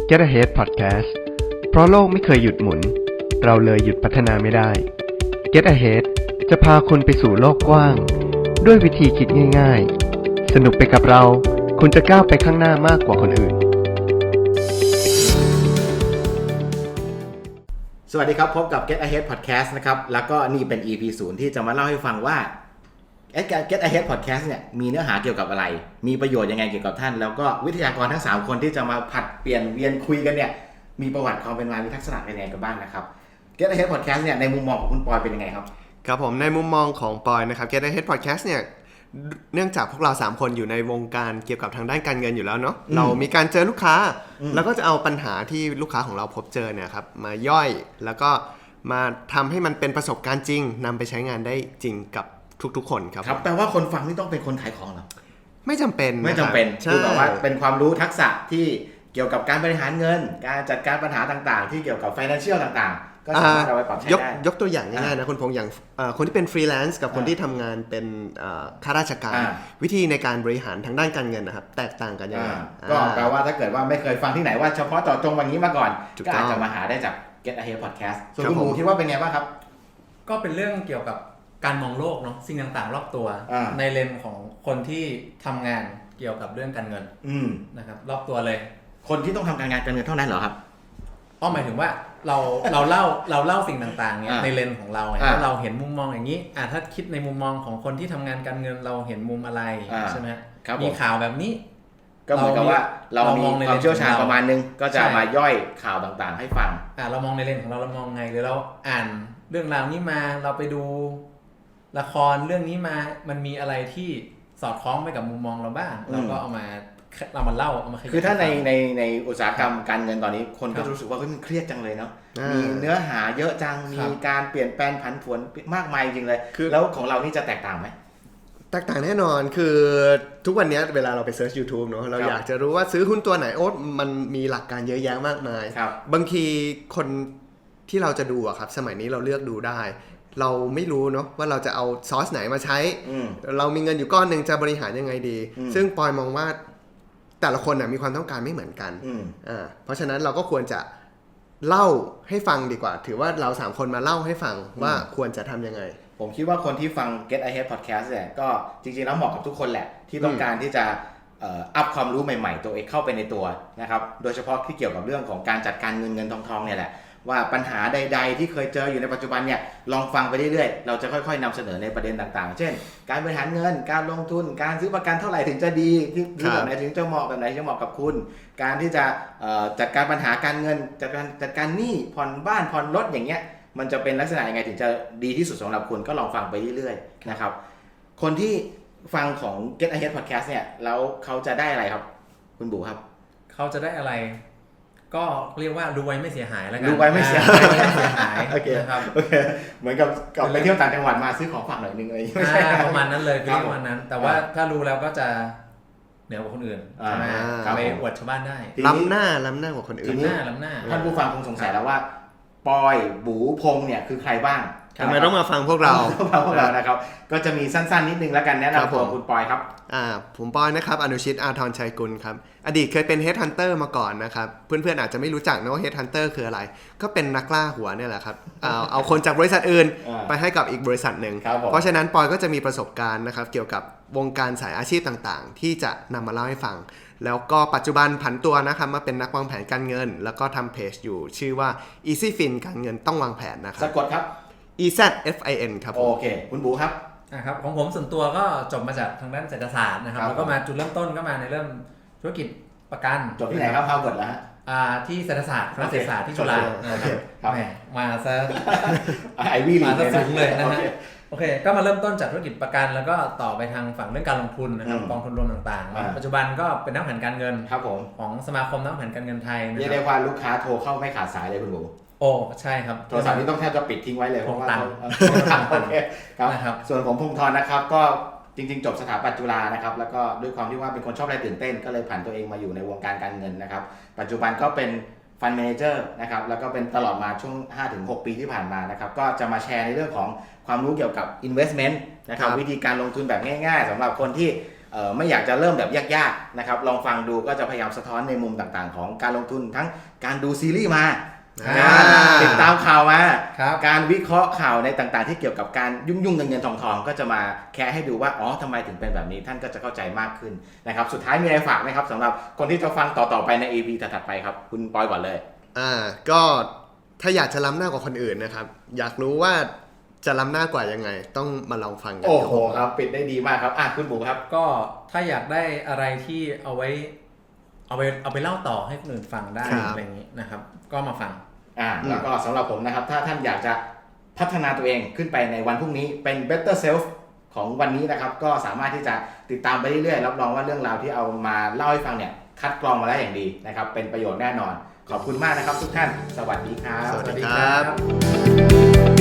Get Ahead Podcast เพราะโลกไม่เคยหยุดหมุนเราเลยหยุดพัฒนาไม่ได้ Get Ahead จะพาคุณไปสู่โลกกว้างด้วยวิธีคิดง่ายๆสนุกไปกับเราคุณจะก้าวไปข้างหน้ามากกว่าคนอื่นสวัสดีครับพบกับ Get Ahead Podcast นะครับแล้วก็นี่เป็น EP 0ที่จะมาเล่าให้ฟังว่า Get Ahead Podcast เนี่ยมีเนื้อหาเกี่ยวกับอะไรมีประโยชน์ยังไงเกี่ยวกับท่านแล้วก็วิทยากรทั้ง3คนที่จะมาผัดเปลี่ยนเวียนคุยกันเนี่ยมีประวัติความเป็นมามีทักษณะเป็นยังไงกันบ้างนะครับ Get Ahead Podcast เนี่ยในมุมมองของคุณปอยเป็นยังไงครับครับผมในมุมมองของปอยนะครับ Get Ahead Podcast เนี่ยเนื่องจากพวกเรา3คนอยู่ในวงการเกี่ยวกับทางด้านการเงินอยู่แล้วเนาะเรามีการเจอลูกค้าแล้วก็จะเอาปัญหาที่ลูกค้าของเราพบเจอเนี่ยครับมาย่อยแล้วก็มาทำให้มันเป็นประสบการณ์จริงนำไปใช้งานได้จริงกับทุกๆคนครับแปลว่าคนฟังนี่ต้องเป็นคนขายของเหรอไม่จำเป็นคือแบบว่าเป็นความรู้ทักษะที่เกี่ยวกับการบริหารเงินการจัดการปัญหาต่างๆที่เกี่ยวกับ financial ต่างๆก็สามารถเอาไปปรับใช้ได้ยกตัวอย่างง่ายๆนะคุณพงษ์อย่างคนที่เป็นฟรีแลนซ์กับคนที่ทำงานเป็นข้าราชการวิธีในการบริหารทางด้านการเงินนะครับแตกต่างกันยังไงก็แปลว่าถ้าเกิดว่าไม่เคยฟังที่ไหนว่าเฉพาะเจาะจงวันนี้มาก่อนก็อาจจะมาหาได้จาก Get Ahead Podcast ส่วนคุณหมูคิดว่าเป็นไงบ้างครับก็เป็นเรื่องเกี่ยวกับการมองโลกเนาะสิ่งต่างๆรอบตัวในเลนของคนที่ทำงานเกี่ยวกับเรื่องการเงินนะครับรอบตัวเลยคนที่ต้องทำการงานการเงินเท่านั้นเหรอครับหมายถึงว่าเราเล่าสิ่งต่างๆเนี่ยในเลนของเราถ้าเราเห็นมุมมองอย่างนี้ถ้าคิดในมุมมองของคนที่ทำงานการเงินเราเห็นมุมอะไรใช่ไหมมีข่าวแบบนี้ก็เหมือนกับว่าเรามีความเชี่ยวชาญประมาณนึงก็จะมาย่อยข่าวต่างๆให้ฟังเรามองในเลนของเรามองไงหรือเราอ่านเรื่องราวนี้มาเราไปดูละครเรื่องนี้มามันมีอะไรที่สอดคล้องไปกับมุมมองเราบ้างเราก็เอามาเล่าเอามาคือถ้าในอุตสาหกรรมการเงินตอนนี้คนก็รู้สึกว่ามันเครียดจังเลยเนาะมีเนื้อหาเยอะจังมีการเปลี่ยนแปลงผันผวนมากมายจริงเลยแล้วของเรานี่จะแตกต่างไหมแตกต่างแน่นอนคือทุกวันนี้เวลาเราไปเซิร์ช YouTube เนาะเราอยากจะรู้ว่าซื้อหุ้นตัวไหนมันมีหลักการเยอะแยะมากมายบางทีคนที่เราจะดูอะครับสมัยนี้เราเลือกดูได้เราไม่รู้เนาะว่าเราจะเอาซอสไหนมาใช้เรามีเงินอยู่ก้อนหนึ่งจะบริหารยังไงดีซึ่งปอยมองว่าแต่ละคนมีความต้องการไม่เหมือนกันเพราะฉะนั้นเราก็ควรจะเล่าให้ฟังดีกว่าถือว่าเรา3คนมาเล่าให้ฟังว่าควรจะทำยังไงผมคิดว่าคนที่ฟัง Get Ahead Podcast เนี่ยก็จริงๆแล้วเหมาะกับทุกคนแหละที่ต้องการที่จะอัพความรู้ใหม่ๆตัวเองเข้าไปในตัวนะครับโดยเฉพาะที่เกี่ยวกับเรื่องของการจัดการเงินทองเนี่ยแหละว่าปัญหาใดๆที่เคยเจออยู่ในปัจจุบันเนี่ยลองฟังไปเรื่อยๆเราจะค่อยๆนำเสนอในประเด็นต่างๆเช่นการบริหารเงินการลงทุนการซื้อประกันเท่าไหร่ถึงจะดีที่แบบไหนถึงจะเหมาะแบบไหนจะเหมาะกับคุณการที่จะจัดการปัญหาการเงินจัดการหนี้ผ่อนบ้านผ่อนรถอย่างเงี้ยมันจะเป็นลักษณะยังไงถึงจะดีที่สุดสำหรับคุณก็ลองฟังไปเรื่อยๆนะครับคนที่ฟังของ Get Ahead Podcast เนี่ยแล้วเขาจะได้อะไรครับคุณบูครับเขาจะได้อะไรก็เรียกว่าดูไว้ไม่เสียหายแล้วกันดูไว้ไม่เสียหายโอเคครับโอเคเหมือนกับไปเที่ยวต่างจังหวัดมาซื้อของฝากหน่อยนึงเลยไม่ใช่ประมาณนั้นเลยประมาณนั้นแต่ว่าถ้ารู้แล้วก็จะเหนือกว่าคนอื่นใช่ไหมไปอวดชาวบ้านได้ล้ำหน้ากว่าคนอื่นล้ำหน้าท่านผู้ฟังคงสงสัยแล้วว่าปอยบูพงเนี่ยคือใครบ้างทำไมต้องมาฟังพวกเรานะครับก็จะมีสั้นๆนิดนึงแล้วกันแนะนำตัวคุณปอยครับผมปอยนะครับอนุชิตอาทรชัยกุลครับอดีตเคยเป็น Headhunter มาก่อนนะครับเพื่อนๆอาจจะไม่รู้จักนะว่า Headhunter คืออะไรก็เป็นนักล่าหัวเนี่ยแหละครับเอาคนจากบริษัทอื่นไปให้กับอีกบริษัทหนึ่งเพราะฉะนั้นปอยก็จะมีประสบการณ์นะครับเกี่ยวกับวงการสายอาชีพต่างๆที่จะนำมาเล่าให้ฟังแล้วก็ปัจจุบันผันตัวนะครับมาเป็นนักวางแผนการเงินแล้วก็ทำเพจอยู่ชื่อว่า EasyFin การเงินต้องวางแผนนะครับสะกดครับ EZFIN ครับโอเคคุณบูครับครับของผมส่วนตัวก็จบมาจากทางด้านเศรษฐศาสตร์นะครับแล้วก็มาจุดเริ่มต้นก็มาในเรื่องธุรกิจประกันจบที่ไหนครับฮาร์วาร์ดแล้วที่เศรษฐศาสตร์คณะเศรษฐศาสตร์ที่จุฬาครับมาซะไอวี่มาซะสูงเลยนะฮะโอเคก็มาเริ่มต้นจากธุรกิจประกันแล้วก็ต่อไปทางฝั่งเรื่องการลงทุนนะครับกองทุนรวมต่างๆปัจจุบันก็เป็นนักแผนการเงินครับผมของสมาคมนักแผนการเงินไทยเรียกได้ว่าลูกค้าโทรเข้าไม่ขาดสายเลยคุณบูโอ้ใช่ครับโทรศัพท์นี้ต้องแทบจะปิดทิ้งไว้เลยเพราะว่าโอเคครับส่วนผมพงษ์ธรนะครับก็จริงๆจบสถาปัตย์จุฬานะครับแล้วก็ด้วยความที่ว่าเป็นคนชอบอะไรตื่นเต้นก็เลยผันตัวเองมาอยู่ในวงการการเงินนะครับปัจจุบันก็เป็นฟันแมเนเจอร์นะครับแล้วก็เป็นตลอดมาช่วง 5-6 ปีที่ผ่านมานะครับก็จะมาแชร์ในเรื่องของความรู้เกี่ยวกับ investment นะครับวิธีการลงทุนแบบง่ายๆสำหรับคนที่ไม่อยากจะเริ่มแบบยากๆนะครับลองฟังดูก็จะพยายามสะท้อนในมุมต่างๆของการลงทุนทั้งการดูซีรีส์มาการติดตามข่าวมาการวิเคราะห์ข่าวในต่างๆที่เกี่ยวกับการยุ่งเงินทองก็จะมาแค่ให้ดูว่าอ๋อทำไมถึงเป็นแบบนี้ท่านก็จะเข้าใจมากขึ้นนะครับสุดท้ายมีอะไรฝากไหมครับสำหรับคนที่จะฟังต่อๆไปใน EP ถัดๆไปครับคุณปอยก่อนเลยก็ถ้าอยากจะล้ำหน้ากว่าคนอื่นนะครับอยากรู้ว่าจะล้ำหน้ากว่ายังไงต้องมาลองฟังกันโอ้โหครับปิดได้ดีมากครับคุณบุ๋มครับก็ถ้าอยากได้อะไรที่เอาไปเล่าต่อให้คนอื่นฟังได้อะไรอย่างนี้นะครับก็มาฟังแล้วก็สำหรับผมนะครับถ้าท่านอยากจะพัฒนาตัวเองขึ้นไปในวันพรุ่งนี้เป็น better self ของวันนี้นะครับก็สามารถที่จะติดตามไปเรื่อยๆรับรองว่าเรื่องราวที่เอามาเล่าให้ฟังเนี่ยคัดกรองมาแล้วอย่างดีนะครับเป็นประโยชน์แน่นอนขอบคุณมากนะครับทุกท่านสวัสดีครับสวัสดีครับ